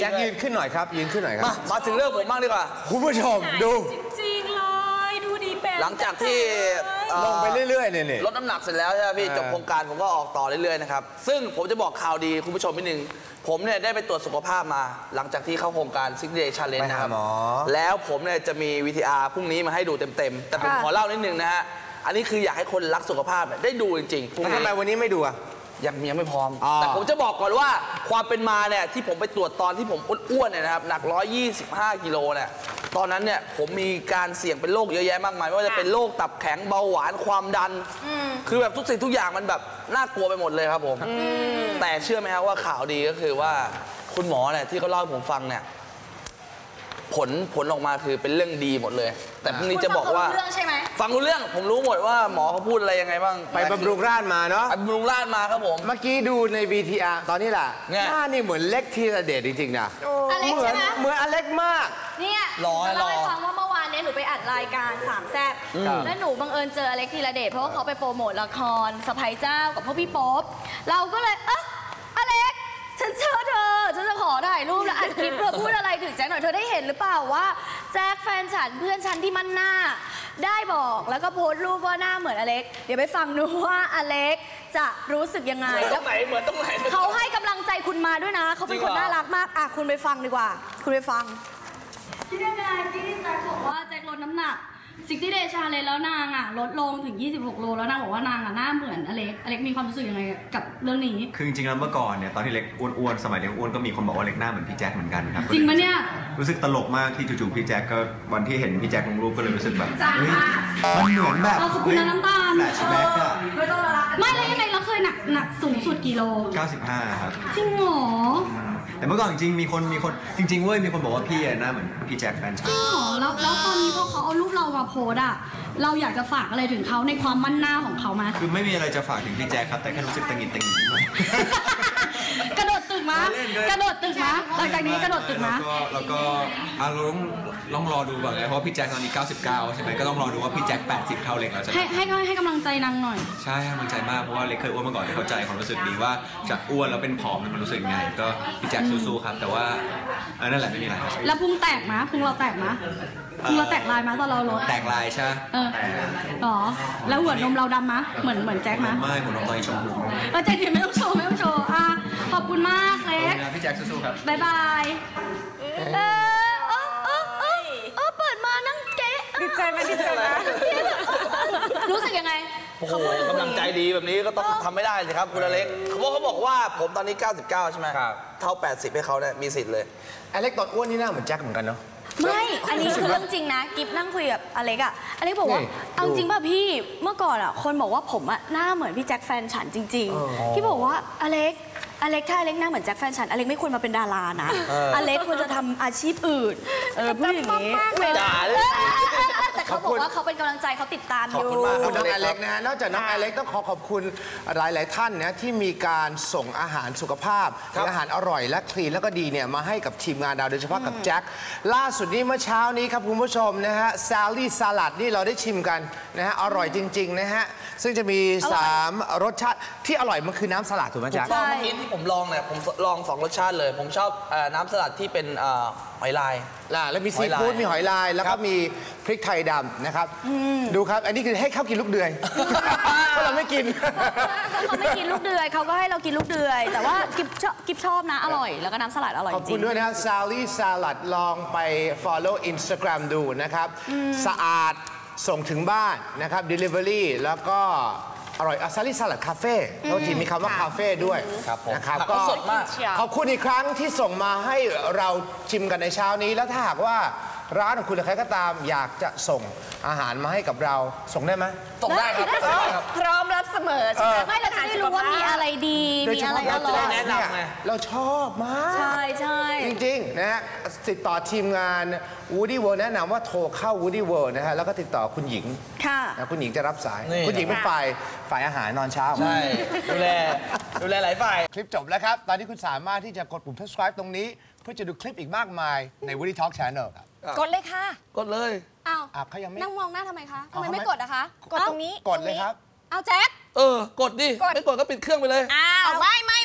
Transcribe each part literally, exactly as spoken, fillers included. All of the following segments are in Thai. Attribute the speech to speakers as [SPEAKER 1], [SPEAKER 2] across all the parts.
[SPEAKER 1] แจ็คยืนขึ้นหน่อยครับยืนขึ้นหน่อยครับ
[SPEAKER 2] มาถึงเรื่องผมบ้างดีกว่า
[SPEAKER 1] คุณผู้ชมดู
[SPEAKER 3] จริงๆเลยดูดีแบบ
[SPEAKER 2] หลังจากที่
[SPEAKER 1] ลงไปเรื่อยๆเนี่ย
[SPEAKER 2] ลดน้ำหนักเสร็จแล้วใช่ไหมพี่จบโครงการผมก็ออกต่อเรื่อยๆนะครับซึ่งผมจะบอกข่าวดีคุณผู้ชมนิดนึงผมเนี่ยได้ไปตรวจสุขภาพมาหลังจากที่เข้าโครงการ ซิกซ์ เดย์ Challenge นะครับแล้วผมเนี่ยจะมี วี ที อาร์ พรุ่งนี้มาให้ดูเต็มๆแต่ผมขอเล่านิดนึงนะฮะอันนี้คืออยากให้คนรักสุขภาพได้ดูจริงๆ
[SPEAKER 1] ทำไมวันนี้ไม่ดูอะ
[SPEAKER 2] ยังยังไม่พร้อมแต่ผมจะบอกก่อนว่าความเป็นมาเนี่ยที่ผมไปตรวจตอนที่ผมอ้วนๆเนี่ยนะครับหนักหนึ่งร้อยยี่สิบห้ากิโลเนี่ยตอนนั้นเนี่ยผมมีการเสี่ยงเป็นโรคเยอะแยะมากมายไม่ว่าจะเป็นโรคตับแข็งเบาหวานความดันคือแบบทุกสิ่งทุกอย่างมันแบบน่ากลัวไปหมดเลยครับผมแต่เชื่อไหมครับว่าข่าวดีก็คือว่าคุณหมอเนี่ยที่เขาเล่าให้ผมฟังเนี่ยผลผลออกมาคือเป็นเรื่องดีหมดเลยแต่พรุ่งนี้จะบอกว่าฟังรู้เรื่องผมรู้หมดว่าหมอเขาพูดอะไรยังไงบ้าง
[SPEAKER 1] ไปบำรุงราษฎร์มาเนาะ
[SPEAKER 2] ไปบำรุงราษฎร์มาครับผม
[SPEAKER 1] เมื่อกี้ดูใน วี ที อาร์ ตอนนี้แหละหน้านี่เหมือนเล็กทีละเดชจริงๆนะเหมือนเหมือนอเล็กมาก
[SPEAKER 3] เนี่ยจะเล่าให้ฟังว่าเมื่อวานนี้หนูไปอัดรายการสามแซ่บแล้วหนูบังเอิญเจออเล็กทีละเดชเพราะว่าเขาไปโปรโมทละครสะใภ้เจ้ากับพ่อพี่โป๊ปเราก็เลยเอ๊ะอเล็กฉันเชื่อเธอฉันจะขอถ่ายรูปแล้วอัดคลิปเธอพูดอะไรถึงแจ็คหน่อยเธอได้เห็นหรือเปล่าว่าแจ็คแฟนฉันเพื่อนฉันที่มั่นหน้าได้บอกแล้วก็โพสต์รูปว่าหน้าเหมือนอเล็กเดี๋ยวไปฟังดูว่าอเล็กจะรู้สึกยังไง
[SPEAKER 2] ตรงไหนเหมือนตรงไหน
[SPEAKER 3] เขาให้กำลังใจคุณมาด้วยนะเขาเป็นคนน่ารักมากอ่ะคุณไปฟังดีกว่าคุณไปฟังที่ยังไงที่แจ็คบอกว่าแจ็คลดน้ำหนักซิกตี้เดย์ชาเลนจ์แล้วนางอ่ะลดลงถึงยี่สิบหกโลแล้วนางบอกว่านางอ่ะหน้าเหมือนอเล็กอเล็กมีความรู้สึกยังไงกับเรื่องนี้
[SPEAKER 4] คือจริงๆแล้วเมื่อก่อนเนี่ยตอนที่เล็กอ้วนๆสมัยเล็กอ้วนก็มีคนบอกว่าเล็กหน้าเหมือนพี่แจ็คเหมือนกันครับ
[SPEAKER 3] จริงปะเนี่ย
[SPEAKER 4] รู้สึกตลกมากที่จู่ๆพี่แจ็คก็วันที่เห็นพี่แจ็คลงรูปก็เลยรู้สึกแบบเฮ้ยมันเหมือนแบบ
[SPEAKER 3] ขอบคุณน้ำตาล
[SPEAKER 4] แฟลชแบ็คอะ
[SPEAKER 3] ไม่แล้วยังไงเราเคยหนักหนักสูงสุดกี่โล
[SPEAKER 4] เก้าสิบห้าครับ
[SPEAKER 3] จริงเหรอ
[SPEAKER 4] แต่เมื่อก่อนจริงๆมีคนมีคนจริงๆเว้ยมีคนบอกว่าพี่หน้าเหมือนพี่แจ็คแฟนฉัน
[SPEAKER 3] จริงเหรอแล้วแล้วตอนนี้พอเขาเอารูปเรามาโพสอะเราอยากจะฝากอะไรถึงเขาในความมั่นหน้าของเขาไหม
[SPEAKER 4] คือไม่มีอะไรจะฝากถึงพี่แจ็คครับแต่แค่รู้สึกตังหิดตังหิด
[SPEAKER 3] กระโดดตึกมากระโดดตึกมาหลังจากนี้กระโดดตึกมา
[SPEAKER 4] แล้วก็แล้วก็เราต้องลองรอดูก่อนเลยเพราะพี่แจ็คตอนนี้เก้าสิบเก้าใช่ไหมก็ต้องรอดูว่าพี่แจ็คแปดสิบเท่าเล็กแล้วจะ
[SPEAKER 3] ให้ให้ให้กำลังใจนางหน่อย
[SPEAKER 4] ใช่ให้กำลังใจมากเพราะว่าเล็กเคยอ้วนมาก่อนเข้าใจความรู้สึกดีว่าจากอ้วนแล้วเป็นผอมมันรู้สึกไงก็พี่แจ็คสู้ๆครับแต่ว่านั่นแหละไม่มีอะไร
[SPEAKER 3] แล้วพุงแตกมะพุงเราแตกมะพุงเราแตกลายมะตอนเราลด
[SPEAKER 4] แตกลายใช่
[SPEAKER 3] เอออ๋อแล้วหัวนมเราดำมะเหมือนเหมือนแจ็คมะ
[SPEAKER 4] ไม่หัวนมตอนนี้ชมพู
[SPEAKER 3] เออแจ็คเดี๋ยวไม่ต้องโชว์ไม่ต้องโชว์อ่ะขอบคุณมากเล็ก
[SPEAKER 4] พี่แจ็คสู้ๆครับ
[SPEAKER 3] บ๊ายบายเออเออเออเออเออเปิดมานั่งเก๊ะ
[SPEAKER 1] ดีใจไหมดีใจไหม
[SPEAKER 3] รู้สึกยังไง
[SPEAKER 2] โอ้โหกำลังใจดีแบบนี้ก็ต้องทำไม่ได้สิครับคุณอเล็กเขาบอกเขาบอกว่าผมตอนนี้เก้าสิบเก้าใช่ไหมครับเท่าแปดสิบให้เขาเนี่ยมีสิทธิ์เลย
[SPEAKER 1] อเล็กตอนอ้วนนี่หน้าเหมือนแจ็คเหมือนกันเนาะ
[SPEAKER 3] ไม่อันนี้คือเรื่องจริงนะกิฟนั่งคุยกับอเล็กอะอเล็กบอกว่าเอาจริงป่ะพี่เมื่อก่อนอะคนบอกว่าผมอะหน้าเหมือนพี่แจ็คแฟนฉันจริงๆที่บอกว่าอเล็กอเล็กถ้าอเล็กหน้าเหมือนแจ็คแฟนฉันอเล็กไม่ควรมาเป็นดารานะอเล็กควรจะทำอาชีพอื่นเออพูดอย่างนี้แต่เขาบอกว่าเขาเป็นกำลังใจเขาติดตามอยู่
[SPEAKER 1] ขอบคุณน้องอเล็กนะฮะนอกจากน้องอเล็กต้องขอขอบคุณหลายๆท่านนะที่มีการส่งอาหารสุขภาพอาหารอร่อยและคลีนแล้วก็ดีเนี่ยมาให้กับทีมงานเราโดยเฉพาะกับแจ็คล่าสุดนี้เมื่อเช้านี้ครับคุณผู้ชมนะฮะซาลี่สลัดนี่เราได้ชิมกันนะฮะอร่อยจริงๆนะฮะซึ่งจะมีสามรสชาติที่อร่อยมันคือน้ำสลัดถูกไหมแจ็ค
[SPEAKER 2] ใช่เมื่อกี้ที่ผมลองเนี่ยผมลองสองรสชาติเลยผมชอบน้ำสลัดที่เป็นหอยลาย
[SPEAKER 1] แล้วมีซีฟู้ดมีหอยลายแล้วก็มีพริกไทยดำนะครับดูครับอันนี้คือให้เขากินลูกเดือยเพราะเราไม่กิน
[SPEAKER 3] เขาไม่กินลูกเดือยเขาก็ให้เรากินลูกเดือยแต่ว่ากิบชอบกิบชอบนะอร่อยแล้วก็น้ำสลัดอร่อยจริง
[SPEAKER 1] ขอบคุณด้วยนะซาลี่สลัดลองไป follow Instagram ดูนะครับสะอาดส่งถึงบ้านนะครับ delivery แล้วก็อร่อยซาลี่สลัดคาเฟ่แล้วทีมีคำว่าคาเฟ่ด้วยนะครับก็ขอบคุณอีกครั้งที่ส่งมาให้เราชิมกันในเช้านี้แล้วถ้าหากว่าร้านของคุณหรือใครก็ตามอยากจะส่งอาหารมาให้กับเราส่งได้ไหม
[SPEAKER 2] ส่งได้ครับ
[SPEAKER 3] พร้อมรับเสมอใช่ไหมไม่เราจะได้รู้ว่ามีอะไรดีมีอะไรอร่อย
[SPEAKER 2] แนะนำไง
[SPEAKER 1] เราชอบมาก
[SPEAKER 3] ใช่ใช่
[SPEAKER 1] จริงๆนะฮะติดต่อทีมงาน Woody World แนะนำว่าโทรเข้า Woody World นะฮะแล้วก็ติดต่อคุณหญิง
[SPEAKER 3] ค่ะ
[SPEAKER 1] คุณหญิงจะรับสายคุณหญิงเป็นฝ่ายฝ่ายอาหารนอนเช้า
[SPEAKER 2] ใช่ดูแลดูแลหลายฝ่าย
[SPEAKER 1] คลิปจบแล้วครับตอนนี้คุณสามารถที่จะกดปุ่ม subscribe ตรงนี้เพื่อจะดูคลิปอีกมากมายใน Woody Talk Channel ครับ
[SPEAKER 3] กดเลยค่ะ
[SPEAKER 2] กดเลย
[SPEAKER 3] อ้าว
[SPEAKER 1] เขายังไม่
[SPEAKER 3] นั่งมองหน้าทำไมคะทำไมไม่กดอะคะ
[SPEAKER 1] กดตรงนี้กดเลยครับ
[SPEAKER 3] เอาแจ็ค
[SPEAKER 2] เออกดดิไม่กดก็ปิดเครื่องไปเลย
[SPEAKER 3] อ้าวไม่ไม่ไม่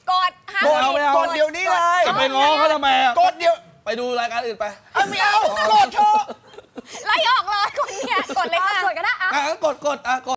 [SPEAKER 5] กดห้าม
[SPEAKER 2] กดเอาไม่เอา
[SPEAKER 1] กดเดี๋ยวนี้เลย
[SPEAKER 2] จะไปง้อเขาทำไมอ่ะ
[SPEAKER 1] กดเดี๋ยว
[SPEAKER 2] ไปดูรายการอื่นไป
[SPEAKER 1] ไม่เอากดเถอะ
[SPEAKER 5] ไล่ออกเลยคนเนี้ยกดเลยค่ะ
[SPEAKER 3] กดก็ได้อะ
[SPEAKER 2] อ่ะงั้นกดกดอ่ะกด